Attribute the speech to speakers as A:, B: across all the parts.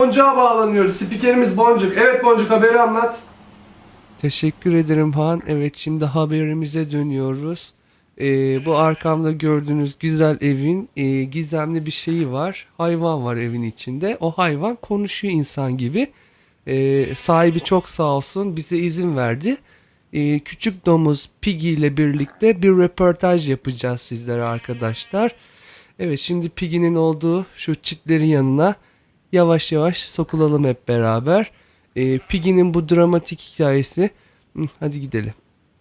A: Boncuk'a bağlanıyoruz. Spikerimiz Boncuk. Evet Boncuk, haberi anlat.
B: Teşekkür ederim Han. Evet, şimdi haberimize dönüyoruz. Bu arkamda gördüğünüz güzel evin gizemli bir şeyi var. Hayvan var evin içinde. O hayvan konuşuyor insan gibi. Sahibi çok sağ olsun bize izin verdi. Küçük domuz Piggy ile birlikte bir röportaj yapacağız sizlere arkadaşlar. Evet, şimdi Piggy'nin olduğu şu çitlerin yanına yavaş yavaş sokulalım hep beraber. Piggy'nin bu dramatik hikayesi. Hadi gidelim.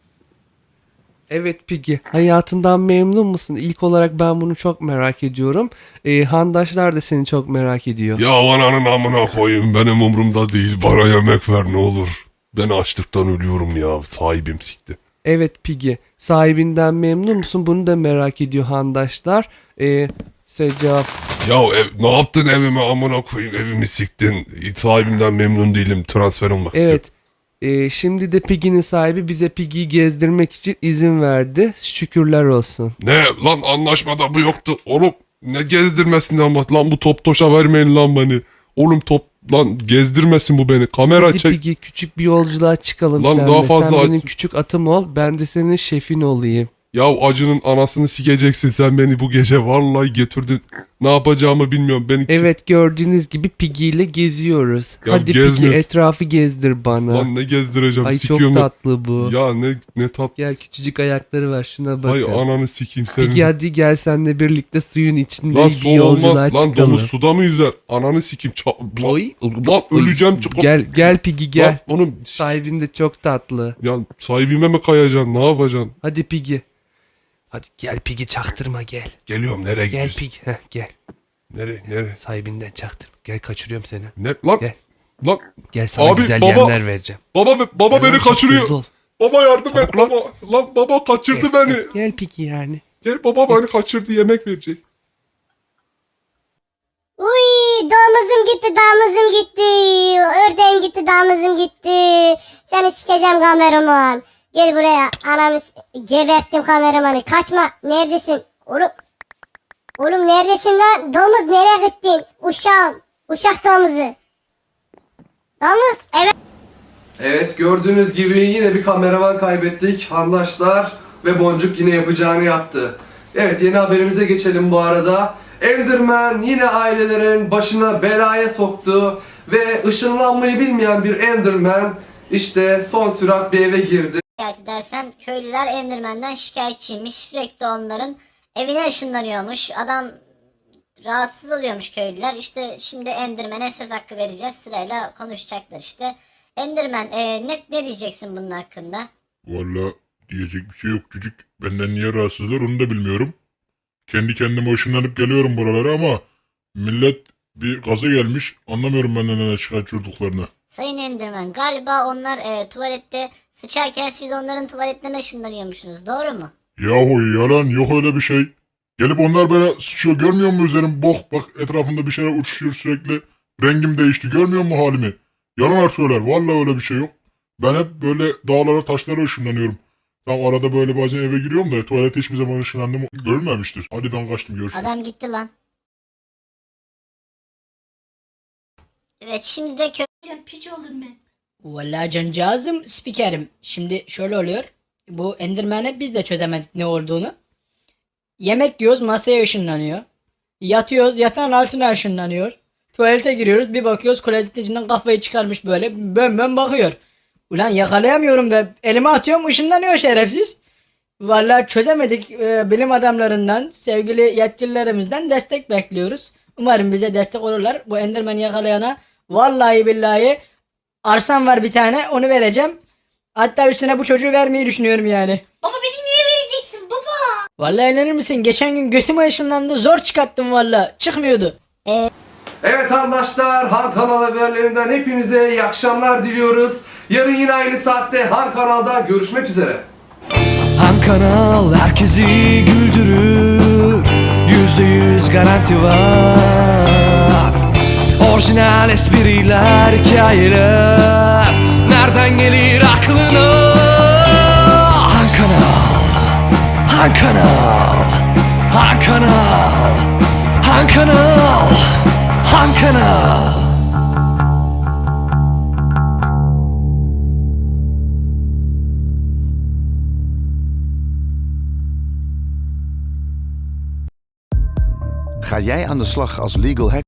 B: Evet Piggy, hayatından memnun musun? İlk olarak ben bunu çok merak ediyorum. Handaşlar da seni çok merak ediyor.
C: Ya ananın amına koyayım, benim umurumda değil, bana yemek ver ne olur. Ben açlıktan ölüyorum ya, sahibim sikti.
B: Evet Piggy, sahibinden memnun musun? Bunu da merak ediyor handaşlar. Cevap.
C: Ya ne yaptın evime amına koyayım, evimi siktin. Sahibimden memnun değilim, transfer olmak istiyorum.
B: Evet. Şimdi de Piggy'nin sahibi bize Piggy'yi gezdirmek için izin verdi. Şükürler olsun.
C: Ne lan, anlaşmada bu yoktu. Oğlum ne gezdirmesin ama lan, bu top toşa vermeyin lan beni. Oğlum top lan, gezdirmesin bu beni. Kamera
B: Hadi
C: çek.
B: Piggy, küçük bir yolculuğa çıkalım
C: Lan
B: seninle.
C: daha fazla
B: Sen benim küçük atım ol, ben de senin şefin olayım.
C: Ya acının anasını sikeceksin sen beni bu gece, vallahi getirdin. Ne yapacağımı bilmiyorum. Beni
B: Evet, gördüğünüz gibi Piggy ile geziyoruz.
C: Ya
B: Hadi
C: gezmiyoruz.
B: Piggy, etrafı gezdir bana.
C: Lan ne gezdireceğim?
B: Ay çok
C: Sikiyorum ben.
B: tatlı bu.
C: Ya ne tat.
B: Gel, küçücük ayakları var, şuna
C: Hay
B: bakın.
C: ananı sikeyim senin.
B: Piggy hadi gel, senle birlikte suyun içinde
C: Lan
B: bir
C: su
B: yolculuğa
C: olmaz. Lan
B: çıkalım.
C: domuz suda mı yüzer? Ananı sikeyim.
B: Oy.
C: Lan öleceğim. Çok...
B: Gel Piggy gel.
C: Lan oğlum.
B: Sahibin de çok tatlı.
C: Ya sahibime mi kayacaksın? Ne yapacaksın?
B: Hadi Piggy. Hadi gel Piggy, çaktırma gel.
C: Geliyorum, nereye
B: Gel
C: gidiyorsun?
B: Piggy. Gel.
C: Nereye?
B: Sahibinden çaktırma. Gel, kaçırıyorum seni.
C: Ne lan?
B: Gel.
C: Lan
B: Gel, sana
C: Abi,
B: güzel
C: baba.
B: yemler vereceğim.
C: baba
B: Gel
C: beni
B: lan, çok
C: kaçırıyor.
B: hızlı ol.
C: Baba yardım et
B: Çabuk lan.
C: baba. Lan baba kaçırdı beni.
B: Gel Piggy yani.
C: Gel baba beni kaçırdı, yemek verecek.
D: Uy, damızım gitti, damızım gitti. Ördeğim gitti, damızım gitti. Seni sikeceğim kameraman. Gel buraya. Ananı geberttim kameramanı. Kaçma. Neredesin? Oğlum neredesin lan? Domuz nereye gittin? Uşağım. Uşak domuzu. Domuz. Evet.
A: Evet, gördüğünüz gibi yine bir kameraman kaybettik. Handaşlar ve Boncuk yine yapacağını yaptı. Evet, yeni haberimize geçelim bu arada. Enderman yine ailelerin başına belaya soktu ve ışınlanmayı bilmeyen bir Enderman işte son sürat bir eve girdi.
D: Şikayet edersen köylüler Enderman'den şikayetçiymiş. Sürekli onların evine ışınlanıyormuş. Adam rahatsız oluyormuş köylüler. İşte şimdi Enderman'e söz hakkı vereceğiz. Sırayla konuşacaklar işte. Enderman ne diyeceksin bunun hakkında?
E: Valla diyecek bir şey yok çocuk. Benden niye rahatsızlar onu da bilmiyorum. Kendi kendime ışınlanıp geliyorum buralara ama millet bir gaza gelmiş. Anlamıyorum benden neden şikayetçi olduklarını.
D: Sayın Enderman, galiba onlar tuvalette sıçarken siz onların tuvaletlerine ışınlanıyormuşsunuz. Doğru mu?
E: Yahu yalan, yok öyle bir şey. Gelip onlar bana sıçıyor, görmüyor musun üzerim? Bak etrafımda bir şeyler uçuşuyor sürekli. Rengim değişti, görmüyor musun halimi? Yalan söyler, valla öyle bir şey yok. Ben hep böyle dağlara taşlara ışınlanıyorum. Ben arada böyle bazen eve giriyorum da tuvalete hiçbir zaman ışınlandığımı görmemiştir. Hadi ben kaçtım, görüşürüz.
D: Adam gitti lan. Evet, şimdi de
F: Piç oldum ben. Vallahi cancağızım spikerim. Şimdi şöyle oluyor. Bu Enderman'e biz de çözemedik ne olduğunu. Yemek yiyoruz, masaya ışınlanıyor. Yatıyoruz, yatağın altına ışınlanıyor. Tuvalete giriyoruz, bir bakıyoruz klozetin içinden kafayı çıkarmış böyle bön bakıyor. Ulan yakalayamıyorum da elime atıyorum, ışınlanıyor şerefsiz. Vallahi çözemedik. Bilim adamlarından, sevgili yetkililerimizden destek bekliyoruz. Umarım bize destek olurlar. Bu Enderman'i yakalayana vallahi billahi arsam var bir tane, onu vereceğim. Hatta üstüne bu çocuğu vermeyi düşünüyorum yani.
D: Baba beni niye vereceksin baba?
F: Vallahi inanır mısın? Geçen gün götüme ışınlandı. Zor çıkarttım vallahi. Çıkmıyordu.
A: Evet arkadaşlar, Han Kanal haberlerinden hepinize iyi akşamlar diliyoruz. Yarın yine aynı saatte Han Kanal'da görüşmek üzere.
B: Han Kanal herkesi güldürür. %100 garanti var. Orijinal espriler, hikayeler nereden gelir aklına? Han Kanal, Han Kanal, Han Kanal, Han Kanal, Han Kanal.
G: Ga jij aan de slag als legal hacker?